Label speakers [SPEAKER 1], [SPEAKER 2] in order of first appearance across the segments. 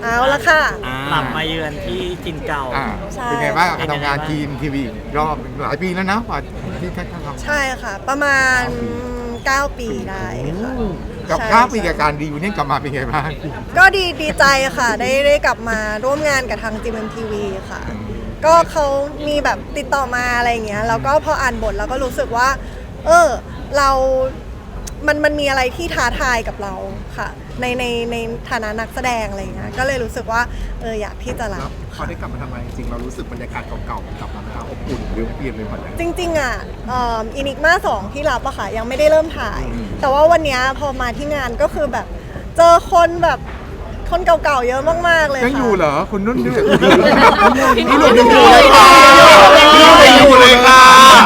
[SPEAKER 1] เอาละค่ะ
[SPEAKER 2] กลับมาเยือนที่ถิ่นเก่า
[SPEAKER 1] ใช่
[SPEAKER 3] เป็นไงบ้างการทำงานทีมทีวีรอบหลายปีแล้วนะกว่าที่ท่านทำ
[SPEAKER 1] ใช่ค่ะ ประมาณ 9 ปีได้ค่ะ
[SPEAKER 3] กับ
[SPEAKER 1] ใช่
[SPEAKER 3] 9 ปีกับการดีวินี่กลับมาเป็นไงบ้าง
[SPEAKER 1] ก็ดีใจค่ะได้กลับมาร่วมงานกับทาง GMMTV ค่ะ ก็เขามีแบบติดต่อมาอะไรอย่างเงี้ยแล้วก็พออ่านบทแล้วก็รู้สึกว่า เรามันมีอะไรที่ท้าทายกับเราค่ะในฐานะนักแสดงอะไรอย่างเงี้ยก็เลยรู้สึกว่าอยากที่จะรับ
[SPEAKER 4] พอได้กลับมาทำงานจริงๆเรารู้สึกบรรยากาศเก่าๆกลับมาอบอุ่นหรือเปลี่ยนเลยหมดเลย
[SPEAKER 1] จริงๆอ่ะอินิกมา2ที่รับอะค่ะยังไม่ได้เริ่มถ่าย แต่ว่าวันเนี้ยพอมาที่งานก็คือแบบเจอคนแบบคนเก่าๆเยอะมากๆเลยค่ะ
[SPEAKER 3] ยังอยู่เหรอคุณนุ่นด้วย
[SPEAKER 1] พี่หนุ่มยังอยู่เลยค่ะ
[SPEAKER 3] ยังอยู่เลยค่ะ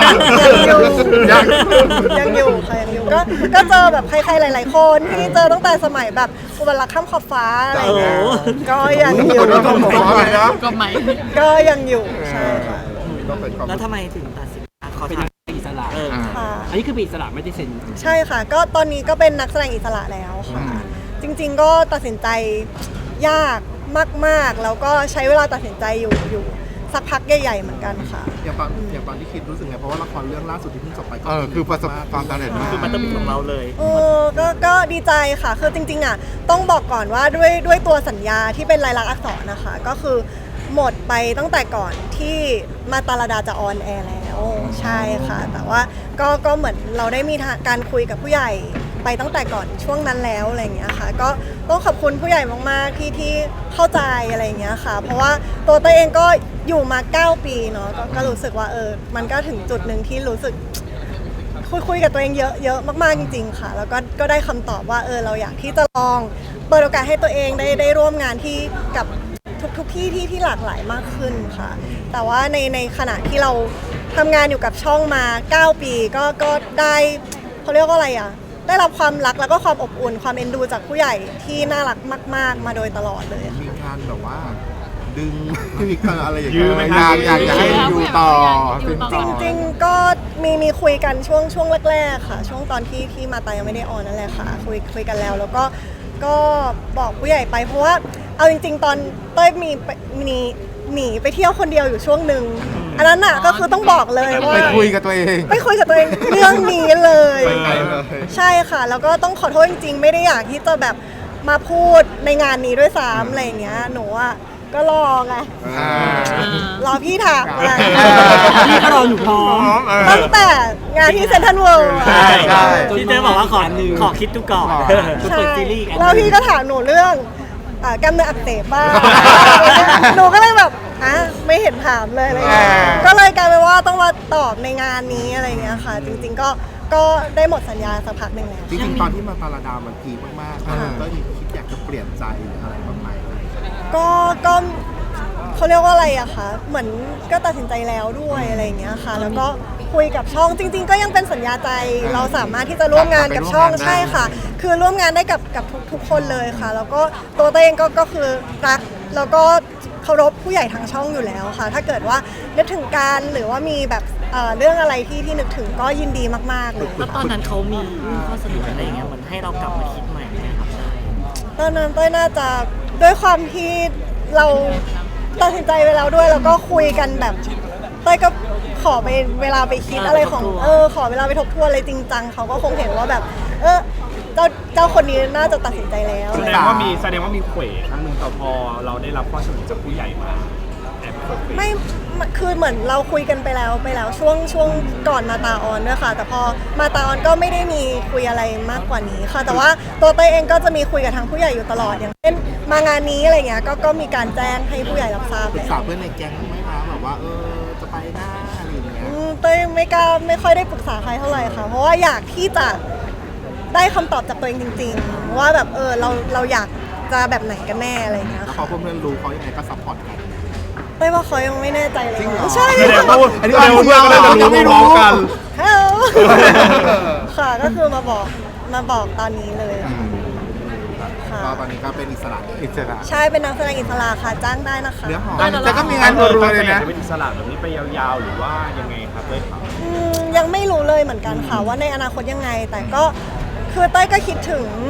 [SPEAKER 1] ยังอยู่ค่ะยังอยู่ก็เจอแบบใครๆหลายๆคนที่เจอตั้งแต่สมัยแบบอุบัติรักข้ามขอบฟ้าอะไรอย่างเงี้ยก็ยังอยู่
[SPEAKER 3] ต้องบอกว่าอะไรนะ
[SPEAKER 1] ก็ยังอยู่ใช่ค่ะ
[SPEAKER 2] แล้วทำไมถึงตัดสินใจขอ
[SPEAKER 5] เป็น
[SPEAKER 2] ถา
[SPEAKER 5] นั
[SPEAKER 2] ม
[SPEAKER 5] กแสดงอิสระ
[SPEAKER 1] ค่ะ
[SPEAKER 5] อันนี้คือเป็นอิสระไม่ได้เซ็น
[SPEAKER 1] ใช่ค่ะก็ตอนนี้ก็เป็นนักแสดงอิสระแล้วค่ะจริงๆก็ตัดสินใจยากมากๆแล้วก็ใช้เวลาตัดสินใจอยู่สักพักใหญ่ๆเหมือนกันค่ะ
[SPEAKER 4] อย่างตอนที่คิดรู้สึกไงเพราะว่าละครเรื่องล่าสุดที่เพิ่งจบไปก็
[SPEAKER 3] คือประสบความสำเร็จมาก
[SPEAKER 2] คือมันต้องเป็นของเราเลย
[SPEAKER 1] ก็ดีใจค่ะคือจริงๆอ่ะต้องบอกก่อนว่าด้วยตัวสัญญาที่เป็นลายลักษณ์อักษรนะคะก็คือหมดไปตั้งแต่ก่อนที่มาตาลาดาจะออนแอร์แล้วใช่ค่ะแต่ว่าก็เหมือนเราได้มีการคุยกับผู้ใหญ่ไปตั้งแต่ก่อนช่วงนั้นแล้วอะไรอย่างเงี้ยค่ะก็ต้องขอบคุณผู้ใหญ่มากๆที่เข้าใจอะไรอย่างเงี้ยค่ะเพราะว่าตัวเองก็อยู่มา9 ปีเนาะก็รู้สึกว่ามันก็ถึงจุดหนึ่งที่รู้สึกคุยกับตัวเองเยอะมากๆจริงๆค่ะแล้วก็ได้คำตอบว่าเราอยากที่จะลองเปิดโอกาสให้ตัวเองได้ร่วมงานที่กับทุกที่ที่หลากหลายมากขึ้นค่ะแต่ว่าในขณะที่เราทำงานอยู่กับช่องมา9 ปีก็ได้เขาเรียกว่าอะไรอ่ะได้รับความรักแล้วก็ความอบอุ่นความเอ็นดูจากผู้ใหญ่ที่น่ารักมากๆมาโดยตลอดเลยค่ะ
[SPEAKER 4] มีงานแบบว่า ดึงมีการอะไรอย่าง
[SPEAKER 3] ยื
[SPEAKER 4] เงี้
[SPEAKER 3] มไหมคะอยากจะให้อยู่ต่อเป็น
[SPEAKER 1] จ
[SPEAKER 3] ต่อ
[SPEAKER 1] ริงๆก็มีคุยกันช่วงแรกๆค่ะ ช่วงตอนที่มาตายังไม่ได้ออนนั่นแหละค่ะคุยกันแล้วก็บอกผู้ใหญ่ไปเพราะว่าเอาจริงๆ ตอนเต้ยมีหนีไปเที่ยวคนเดียวอยู่ช่วงหนึ่งอันนั้นน่ะก็คือต้องบอกเลยว่า
[SPEAKER 3] ไปคุยกับตัวเอง
[SPEAKER 1] ไปคุยกับตัวเองเรื่องนี้เลย
[SPEAKER 4] ไปไกลเลย
[SPEAKER 1] ใช่ค่ะแล้วก็ต้องขอโทษจริงๆ ไม่ได้อยากที่จะแบบมาพูดในงานนี้ด้วยซ้ำอะไรอย่างเงี้ยหนูอ่ะก็รอไงรอพี่ถามไง
[SPEAKER 5] พี่ก็รอหนูพร้อม
[SPEAKER 1] ตั้งแต่งานที่เซ็นทรัลเวิลด์
[SPEAKER 2] ใช่
[SPEAKER 3] ใช่
[SPEAKER 2] ที่เจ๊บอกว่าขอคิดดูก่อน
[SPEAKER 1] ใช่
[SPEAKER 2] เปิดซีรีส์อีกอันห
[SPEAKER 1] แล้ว
[SPEAKER 2] นึ่ง
[SPEAKER 1] พี่ก็ถามหนูเรื่องกล้ามเนื้ออักเสบบ้างหนูก็เลยแบบไม่เห็นถามเลยอะไรเงี้ยก็เลยกลายเป็นว่าต้องมาตอบในงานนี้อะไรเงี้ยค่ะ จริงๆก็ได้หมดสัญญาสักพักหนึ่งแล้ว
[SPEAKER 4] จริงๆตอนที่มาตาลาดามันพีคมากๆก็มีคิดอยากจะเปลี่ยนใจหรืออะไรบ้างไหม
[SPEAKER 1] ก็เขาเรียกว่าอะไรอะคะเหมือนก็ตัดสินใจแล้วด้วยอะไรอย่างเงี้ยค่ะ แล้วก็คุยกับช่องจริง ๆ ก็ยังเป็นสัญญาใจเราสามารถที่จะร่วมงานกับช่องใช่ค่ะ คือร่วมงานได้กับทุกคนเลยค่ะ แล้วก็ตัวเองก็คือรักแล้วก็เคารพผู้ใหญ่ทางช่องอยู่แล้วค่ะ ถ้าเกิดว่านึกถึงการหรือว่ามีแบบเรื่องอะไรที่นึกถึงก็ยินดีมากๆเลย
[SPEAKER 2] แล้วตอนนั้นเขามียื่นข้อเสนออะไรเงี้ยเหมือนให้เรากลับมาคิดใหม่ไหมครับ
[SPEAKER 1] ตอนนั้นเต้ยน่าจะด้วยความที่เราตัดสินใจไปแล้วด้วยแล้วก็คุยกันแบบเต้ยก็ขอไปเวลาไปคิดอะไรของขอเวลาไปทบทวนอะไรจริงจังเขาก็คงเห็นว่าแบบเจ้าคนนี้น่าจะตัดสินใจแล้ว
[SPEAKER 6] แสดงว่ามีเขวครั้งหนึ่งแต่พอเราได้รับข้อเสนอจากผู้ใหญ่มาแอบเขว
[SPEAKER 1] ไม่คือเหมือนเราคุยกันไปแล้วช่วงก่อนมาตาออนด้วยค่ะ แต่พอมาตาออนก็ไม่ได้มีคุยอะไรมากกว่านี้ค่ะ แต่ว่าตัวเต้ยเองก็จะมีคุยกับทางผู้ใหญ่อยู่ตลอดอย่างเช่นมางานนี้อะไรเงี้ยก็มีการแจ้งให้ผู้ใหญ่รับทราบ
[SPEAKER 4] ปรึกษาเพื่อนในแก๊งไหมคะแบบว่าจะไปหน้าอะไรอย่างเงี้ย
[SPEAKER 1] เต้ยไม่ค่อยได้ปรึกษาใครเท่าไหร่ค่ะ เพราะว่าอยากที่จะได้คำตอบจากตัวเองจริงๆว่าแบบเราอยากจะแบบไหนกันแน่อะไรเงี้ย
[SPEAKER 4] แล้ว
[SPEAKER 1] ค่ะ
[SPEAKER 4] พอเพื่อนๆรู้เขายังไงก็ซัพพอร์ตกัน
[SPEAKER 1] เต้ยว่าเขายังไม่แน่ใจเลย
[SPEAKER 4] จริงเหรอ
[SPEAKER 1] ใช่
[SPEAKER 6] แสดงว่า
[SPEAKER 3] อันนี้
[SPEAKER 6] แสดงว่าเพื่อนก็น่าจะรู้พร้อมๆกัน
[SPEAKER 1] ฮัลโหลค่ะก็คือมาบอกตอนนี้เลยค่ะ
[SPEAKER 4] ก็ตอนนี้ก็เป็นอิสระ
[SPEAKER 3] อิสระ
[SPEAKER 1] ใช่เป็นนักแสดงอิสระค่ะจ้างได้นะคะ
[SPEAKER 4] เนื้อหอม
[SPEAKER 3] แต่ก็มีงานรัวๆเลยนะ
[SPEAKER 6] จะเป็นอิสระแบบนี้ไปยาวๆหรือว่ายังไงครับเลยครับ
[SPEAKER 1] ยังไม่รู้เลยเหมือนกันค่ะว่าในอนาคตยังไง แต่ก็คือเต้ยก็คิดถึง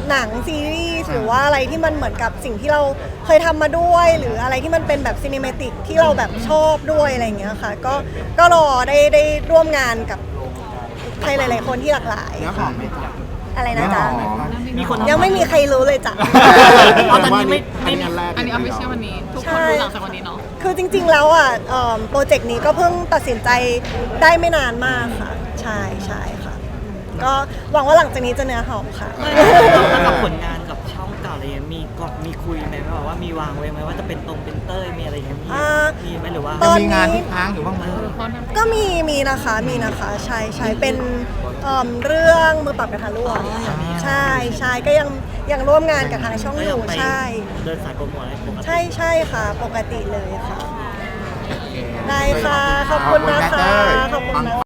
[SPEAKER 1] หนังซีรีส์หรือว่าอะไรที่มันเหมือนกับสิ่งที่เราเคยทำมาด้วย หรืออะไรที่มันเป็นแบบซีนิเมติกที่เราแบบชอบด้วยอะไรอย่างเงี้ยค่ะก็รอได้ร่วมงานกับใครหลาย ๆ คนที่หลากหลาย
[SPEAKER 4] เนื้อหอมไหมจ๊ะ
[SPEAKER 1] อะไรนะจ๊ะ
[SPEAKER 2] มีคน
[SPEAKER 1] ยังไม่มีใครรู้เลยจ้ะ
[SPEAKER 2] เอาตอนนี้ไม่มี
[SPEAKER 4] อันแรก
[SPEAKER 7] อันนี้เอาไปเชื่อวันนี้ ทุกคนรู้หลังจากวันนี้เนาะ
[SPEAKER 1] คือจริง ๆ แล้วอ่ะโปรเจกต์นี้ก็เพิ่งตัดสินใจได้ไม่นานมากค่ะ ใช่ค่ะ ก็หวังว่าหลังจากนี้จะเนื้อหอมค่ะ
[SPEAKER 2] แล้วกับผลงานกับช่องเก่าอะไรเงี้ยมีคุยไหมแบบว่ามีวางไว้ไหมว่าจะเป็นเป็นเต้ยมีอะไรเงี้ยมีไหมหรือว่า
[SPEAKER 1] ต
[SPEAKER 3] จะ
[SPEAKER 1] อน
[SPEAKER 3] มี
[SPEAKER 1] นี้
[SPEAKER 3] งานที่ค้างอยู่บ้างไหม
[SPEAKER 1] ก็มีนะคะใช่เป็นเรื่องมือปรับกระทะร่วงใช่ก็ยังร่วมงานกับทางช่อง
[SPEAKER 2] ก็
[SPEAKER 1] อ
[SPEAKER 2] ยัง
[SPEAKER 1] ยู่
[SPEAKER 2] ไป
[SPEAKER 1] ใช่
[SPEAKER 2] เดินสายโปรโมทอะไรปกติ
[SPEAKER 1] ใช่ค่ะ ปกติเลยค่ะ ได้ค่ะ ขอบคุณนะคะ ขอบคุณนะคะ